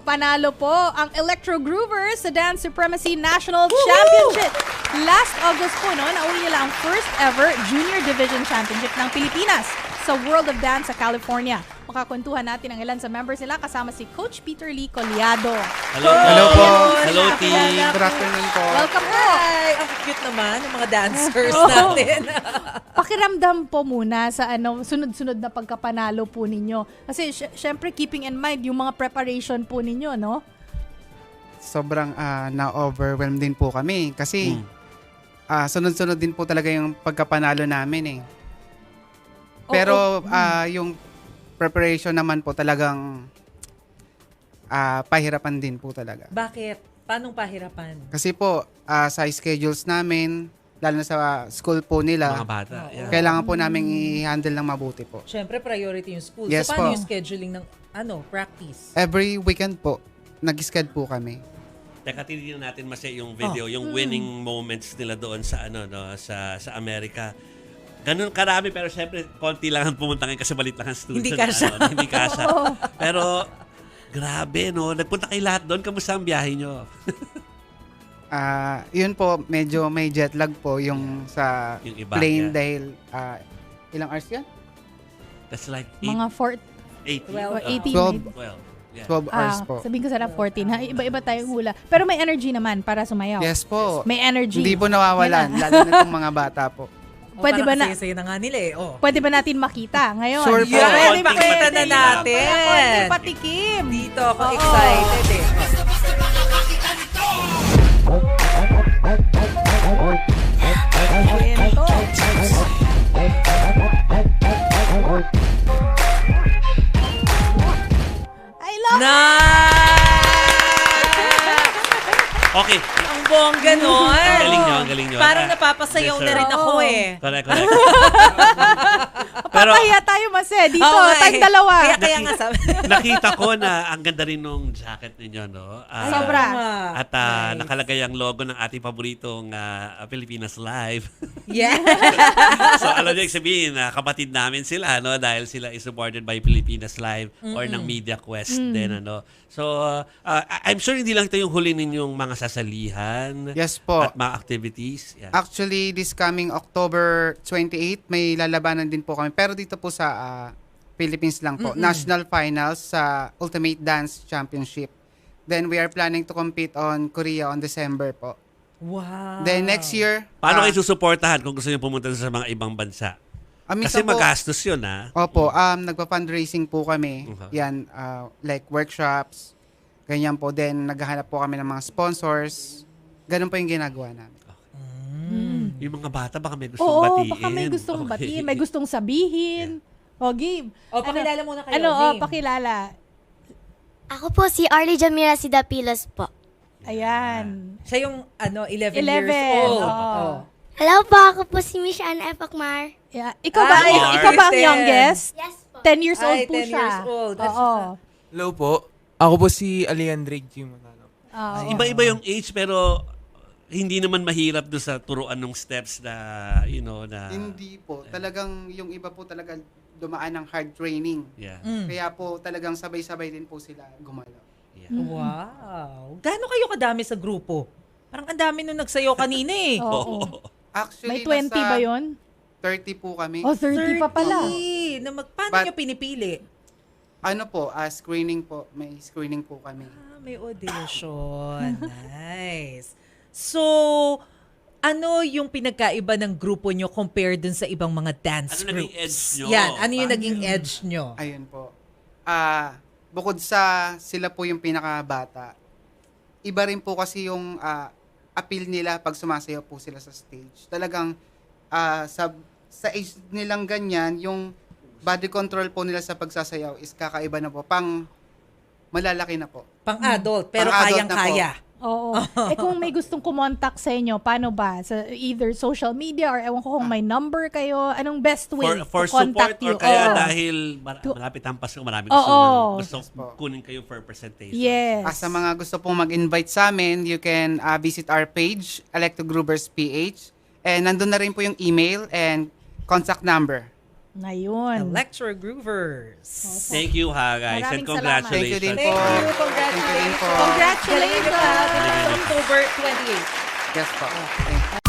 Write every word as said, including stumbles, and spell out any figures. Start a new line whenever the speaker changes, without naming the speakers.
panalo po ang Electro Groovers sa Dance Supremacy National Woo! Championship. Last August po, no, nauli nila ang first ever Junior Division Championship ng Pilipinas sa World of Dance sa California. Makakwentuhan natin ang ilan sa members nila kasama si Coach Peter Lee Coliado.
Hello, hello po.
Hello, team.
Good afternoon po.
Welcome po.
Hi! Ang cute naman ng mga dancers natin.
Pakiramdam po muna sa ano sunod-sunod na pagkapanalo po ninyo. Kasi sy- syempre keeping in mind yung mga preparation po ninyo, no?
Sobrang uh, na-overwhelmed din po kami kasi hmm. uh, sunod-sunod din po talaga yung pagkapanalo namin eh. Pero oh, oh. Uh, yung preparation naman po talagang uh, pahirapan din po talaga.
Bakit? Paanong pahirapan?
Kasi po uh, sa schedules namin, lalo na sa school po nila,
mga bata, yeah.
kailangan po namin i-handle ng mabuti po.
Siyempre, priority yung school.
Yes,
so, paano
po.
yung scheduling ng ano practice?
Every weekend po, nag-schedule po kami.
Teka, titignan natin mas yung video, oh. yung winning moments nila doon sa ano no sa sa Amerika. Ganun karami pero syempre konti lang ang pumunta ngayon kasi balit lang ang student.
Hindi kasya.
Ano, hindi kasya. Pero grabe no, nagpunta kayo lahat doon. Kamusta ang biyahe nyo?
Ah, uh, yun po, medyo may jet lag po yung sa
yung iba,
plane
yeah.
dahil uh, ilang hours yan?
That's like eight,
Mga four,
eighteen,
twelve,
uh,
eighteen.
twelve,
twelve, yeah.
twelve hours
Ah,
po.
sabihin ko sana fourteen. Ha? Iba-iba tayong hula. Pero may energy naman para sumayaw.
Yes po.
May energy.
Hindi po nawawalan, lalo na itong mga bata po.
O,
Pwede ba
parang
na-
kasi na nga nila eh. Oh.
Pwede ba natin makita ngayon?
Sure po.
Yeah,
Pwede,
pakita na
pwede.
natin.
Konti patikim.
Dito ako
Oo.
excited eh.
Ayan to. I love
Okay.
Ang bongga nun.
Ang galing nyo, ang galing nyo.
Parang
Ah,
napapasayaw
yes,
na
sir.
rin ako
Oo.
eh.
Correct, correct.
Papahiya tayo mas eh. Dito,
Oo nga
tayong
eh.
dalawa.
Kaya, kaya nga sabi.
Nakita ko na ang ganda rin nung jacket ninyo, no? Ah,
Sobra.
At ah,
Nice.
nakalagay ang logo ng ating paboritong ah, Pilipinas Live.
Yeah.
So, alam niyo, sabihin, na kapatid namin sila, no? Dahil sila is supported by Pilipinas Live or ng Media Quest din, ano? So, uh, I'm sure hindi lang ito yung huli ninyong mga sasalihan
Yes po.
at mga activities. Yeah.
Actually, this coming October twenty-eighth, may lalabanan din po kami. Pero dito po sa uh, Philippines lang po.
Mm-mm.
National Finals sa Ultimate Dance Championship. Then we are planning to compete on Korea on December po.
Wow.
Then next year...
Paano
uh,
kayo susuportahan kung gusto niyo pumunta sa mga ibang bansa?
ah, minsan
Kasi
po-
magastos yun, ha?
Opo, um, nagpa-fundraising po kami.
Okay.
Yan, uh, like workshops, ganyan po. Then, naghahanap po kami ng mga sponsors. Ganun po yung ginagawa namin.
Mm.
Yung mga bata, baka may gustong
Oo,
batiin.
baka may gustong
Okay.
batiin, may gustong sabihin. O, game.
O, pakilala muna kayo.
Ano, oh,
Game.
pakilala.
Ako po si Arlie Jamira Sidapilos po.
Ayan.
Siya yung ano, eleven,
eleven,
years old.
oo.
Oh.
Hello po, ako po si Miss Anna Epakmar.
Yeah. Ikaw ba,
Ay,
ik- ikaw ba ang
ten.
youngest?
Yes po.
ten years old
Ay,
po
ten
siya.
years old. That's-
Oo.
Hello po. Ako po si Alejandro G. Manalo.
Oo.
Iba-iba yung age, pero hindi naman mahirap doon sa turuan ng steps na, you know, na...
Hindi po. Talagang yung iba po talaga dumaan ng hard training.
Yeah.
Mm.
Kaya po talagang sabay-sabay din po sila gumalaw.
yeah.
Wow. Gaano kayo kadami sa grupo? Parang ang dami nung nagsayaw kanina eh.
Oo.
Actually,
May twenty
nasa
ba yun?
thirty po kami.
Oh, thirty pa pala.
thirty. Na mag, paano
But-
nyo pinipili?
Ano po, ah, screening po. May screening po kami.
Ah, may audition. Nice. So, ano yung pinagkaiba ng grupo nyo compared dun sa ibang mga dance
Ano naging
groups?
edge nyo?
Yan, ano yung
Paano
naging edge nyo?
Ayun po. Ah, bukod sa sila po yung pinakabata, iba rin po kasi yung ah, appeal nila pag sumasayaw po sila sa stage. Talagang ah, sa sa age nilang ganyan, yung body control po nila sa pagsasayaw is kakaiba na po. Pang malalaki na po.
Pang-adult, pero
Pang-adult na
kayang-kaya.
Oo. Eh kung may gustong kumontak sa inyo, paano ba? Sa either social media or ewan ko kung may number kayo, anong best way
For, for
to contact
support
you?
or kaya
Oo.
dahil mar-
To-
malapit ang Pasko, marami
Oo.
gusto, gusto
Yes po.
kunin kayo for presentation.
Yes.
Ah, sa mga gusto pong mag-invite sa amin, you can ah, visit our page, Electro Groovers P H. And nandun na rin po yung email and contact number.
Ngayon.
Electro Groovers.
Thank you ha guys
Maraming
and congratulations.
Thank you din
Thank
po.
you. Congratulations. Galingan niyo pa.
Congratulations!
October twenty-eighth.
Yes po. Thank you.